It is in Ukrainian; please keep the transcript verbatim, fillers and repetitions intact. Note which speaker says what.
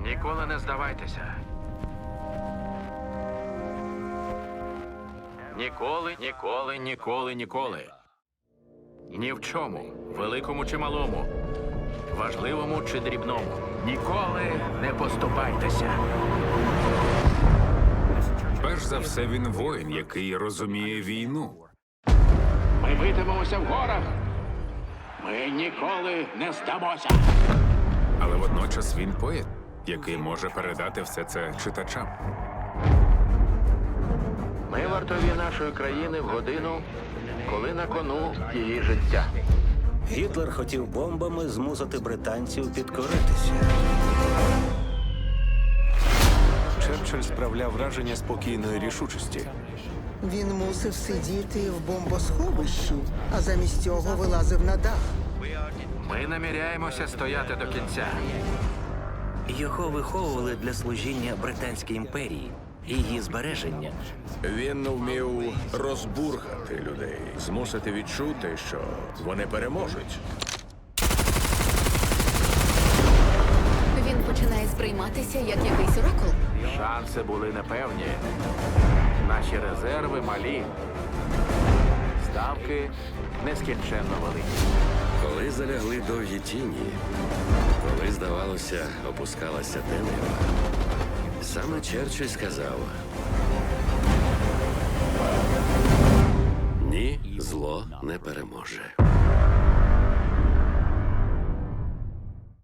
Speaker 1: Ніколи не здавайтеся. Ніколи, ніколи, ніколи, ніколи. Ні в чому, великому чи малому, важливому чи дрібному. Ніколи не поступайтеся.
Speaker 2: Перш за все, він воїн, який розуміє війну.
Speaker 1: Ми битимемося в горах. Ми ніколи не здамося.
Speaker 2: Але водночас він поет, який може передати все це читачам.
Speaker 1: Ми вартові нашої країни в годину, коли на кону її життя.
Speaker 3: Гітлер хотів бомбами змусити британців підкоритися.
Speaker 4: Черчилль справляв враження спокійної рішучості.
Speaker 5: Він мусив сидіти в бомбосховищі, а замість цього вилазив на дах.
Speaker 1: Ми наміряємося стояти до кінця.
Speaker 3: Його виховували для служіння Британській імперії і її збереження.
Speaker 6: Він вмів розбурхати людей, змусити відчути, що вони переможуть.
Speaker 7: Він починає сприйматися як якийсь оракул.
Speaker 1: Шанси були непевні. Наші резерви малі. Ставки нескінченно великі.
Speaker 8: Коли залягли довгі тіні, коли, здавалося, опускалася темрява, саме Черчилль сказав: ні, зло не переможе.